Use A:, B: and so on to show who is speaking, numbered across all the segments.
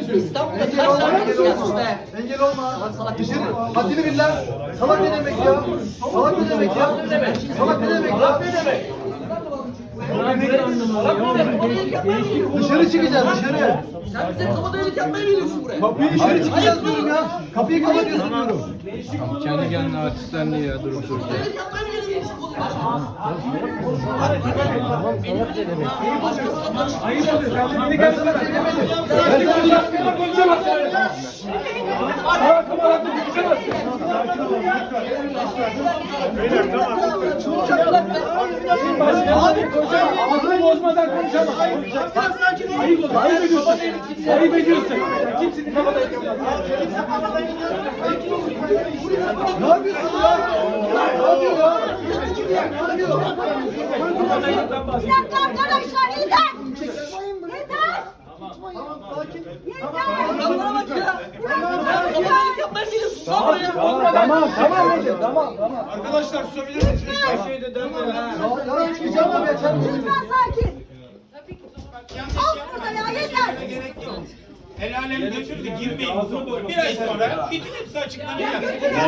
A: söylüyorum.
B: İstanbul'da
A: Engel
B: kaç
A: olma,
B: tane
A: engel
B: gelsin
A: olma.
B: be?
A: Engel olma.
B: Salak
A: Dışarı.
B: salak.
A: Haddini bil lan. Salak ne demek ya? Salak ne demek ya?
B: Ne demek?
A: Salak ne demek ya?
B: Salak ne demek?
A: Dışarı çıkacağız dışarı.
B: Sen bize kabadayılık yapmaya geliyorsun buraya.
A: Kapıyı dışarı çıkacağız diyorum ya. Kapıyı kapatıyorsun diyorum.
C: Kendi kendine artistlendi ya durup dururken.
B: Kabadayılık yapmaya mı geliyorsun oğlum başına?
A: Ben sana şey demedim. Ben sana konuşamazsın. Abi ağzını bozmadan konuşamaz. Ayıp olur. Ayıp ediyorsun. Ayıp ediyorsun. Kimsenin kabadayı yapmaz. Ne yapıyorsun ya? Ne yapıyor ya?
D: Bir dakika arkadaşlar yeter! Yeter!
B: Adamlara bak ya. Sen kabadayılık yapmaya mı geliyorsun? Sağ ol ya.
A: Tamam.
C: Arkadaşlar susabilir misiniz? Her şeyde dönme ha.
A: Ya çıkacağım abi yeter.
D: Lütfen sakin! Al burada ya yeter!
E: El alem götürdü, girmeyin. Bir ay sonra bütün hepsi açıklanacak.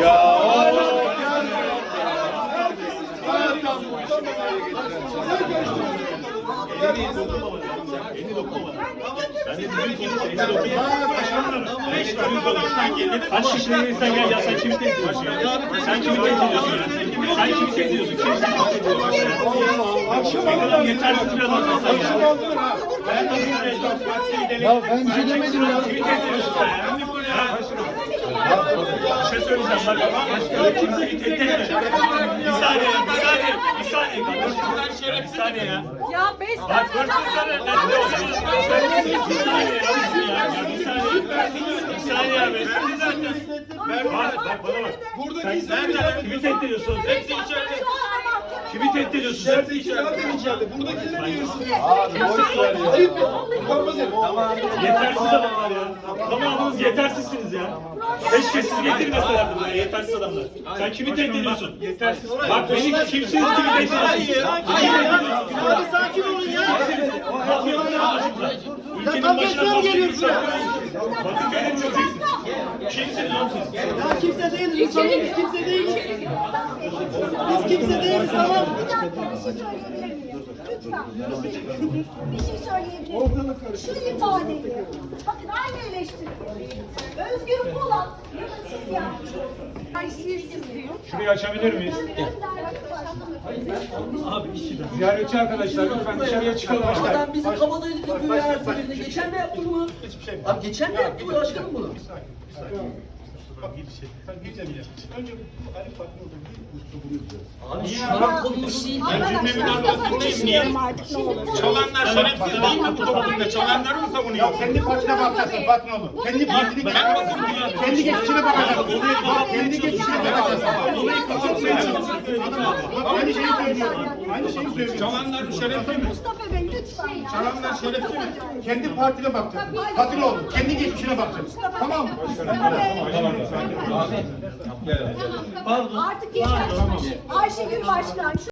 F: Kaç şişeye insan gel ya sen kimi tehdit ediyorsun ya? Sen kimi tehdit ediyorsun ya? Sen kimi tehdit ediyorsun? Kim seni tehdit ediyor? Ne kadar yetersiz bir adamsın sen ya. Ben nasıl
A: Ya ben bir şey demedim ya.
F: kimi tehdit ediyorsun sen ya? Bir şey söyleyeceğim bak. Öyle kimseyi tehdit etme. Bir saniye ya, bir saniye. Bir saniye. Bir saniye ya.
D: Ya 5 tane
F: Bak hırsızlara ne diyorsun? Bir saniye ya. Bir saniye abi. Bak bana bak. Sen nerede? Kimi tehdit ediyorsun? Hepsi içeride. Kimi tehdit ediyorsun? Hepsi içeride.
E: Buradakiler niye
A: Ayıp ya. Utanmaz herif.
F: Yetersiz adamlar ya. Tamamınız yetersizsiniz ya. Keşke siz getirmeselerdi buraya yetersiz adamlar. Sen kimi tehdit ediyorsun? Yetersiz. Bak beni kimsiniz kimi tehdit ediyorsun?
E: Abi sakin olun ya.
F: Ülkenin başına basıyorsunuz. Bakırköy'ün çocuğusun. Kimsiniz oğlum siz?
E: Ya kimse değiliz. Tamam biz kimse değiliz. Biz kimse değiliz tamam.
D: Bir şey söyleyebilir miyim? Şu ifadeyi, bakın aynı eleştiri. Özgür Polat ya da siz yani. Haysiyetsiz diyor.
F: Şurayı açabilir miyiz? Ziyaretçi arkadaşlar lütfen dışarıya çıkalım.
B: Adam bizi kabadayılık yapıyor ya her seferinde. Geçen de yaptı bunu. Abi geçen de yaptı bu başkanım bunu. Abi şu an konumuz değil.
E: Cümlemin arkasındayım niye? Çalanlar şerefsiz banka bu toplumda. Çalanları mı savunuyor?
G: Kendi partine bakacaksın Fatma oğlum. Kendi partine bakacaksın. Kendi geçmişine bakacaksın. Kendi geçmişine bakacaksın. Aynı şeyi söylüyorsun. Aynı şeyi söylüyorsun.
E: Çalanlar şerefsiz mi?
D: Mustafa Bey lütfen ya.
E: Çalanlar şerefsiz mi?
G: Kendi partine bakacaksın. Fatma oğlum. Kendi geçmişine bakacaksın. Tamam mı?
D: Artık yeter. Ayşegül Başkan.